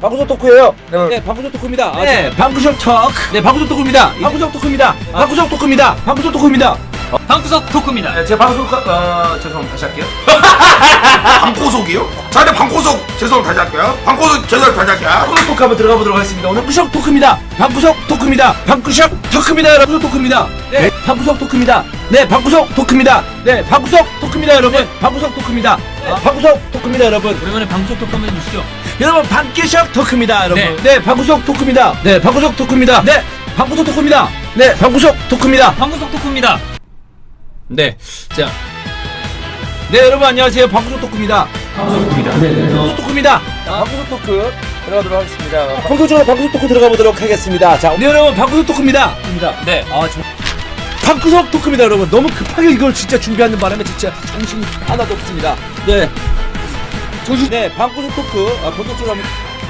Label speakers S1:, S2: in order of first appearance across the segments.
S1: 방구석 토크예요.
S2: 네, 방구석 토크입니다.
S1: 네, 방구석 토크.
S2: 네, 방구석 토크입니다.
S1: 방구석 토크입니다. 방구석 토크입니다. 방구석 토크입니다.
S2: 방구석 토크입니다.
S1: 네, 제 방송 죄송합니다. 다시 할게요.
S3: 방구석이요? 자, 네, 방구석 죄송합니다. 다시 할게요. 방구석 죄송합니다. 다시 할게요.
S1: 방구석 토크 한번 들어가 보도록 하겠습니다. 오늘 방구석 토크입니다. 방구석 토크입니다. 방구석 토크입니다. 여러분 토크입니다. 네, 방구석 토크입니다. 네, 방구석 토크입니다. 네, 방구석 토크입니다, 여러분. 방구석 토크입니다. 방구석 토크입니다, 여러분.
S2: 오랜만에 방구석 토크 한번 해주시죠.
S1: 여러분 방구석 토크입니다, 여러분.
S2: 네.
S1: 네, 방구석 토크입니다. 네, 방구석 토크입니다. 네, 방구석 토크입니다. 네, 방구석 토크입니다.
S2: 방구석 토크입니다.
S1: 네, 자, 네 여러분 안녕하세요. 방구석 토크입니다. 방구석 토크입니다. 네, 방구석 토크입니다. 방구석 토크 들어가도록 하겠습니다. 본격적으로 방구석 토크 들어가 보도록 하겠습니다. 자, 네 여러분 방구석 토크입니다.
S2: 네,
S1: 방구석 토크입니다, 여러분. 너무 급하게 이걸 진짜 준비하는 바람에 진짜 정신이 하나도 없습니다. 네, 네, 방구석 토크 본격적으로 한번.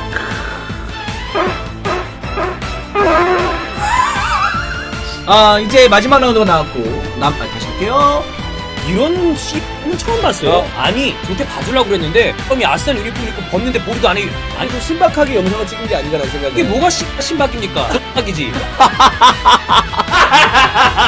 S1: 이제 마지막 라운드가 나왔고, 다시 할게요.
S2: 이런 씨는 처음 봤어요. 아니, 저한테 봐주려고 그랬는데 형이 아스날 유니폼 입고 벗는데 머리도 안 해. 아니,
S1: 좀 신박하게 영상을 찍은 게 아닌가라는 생각이.
S2: 이게 뭐가 신박입니까? 신박이지.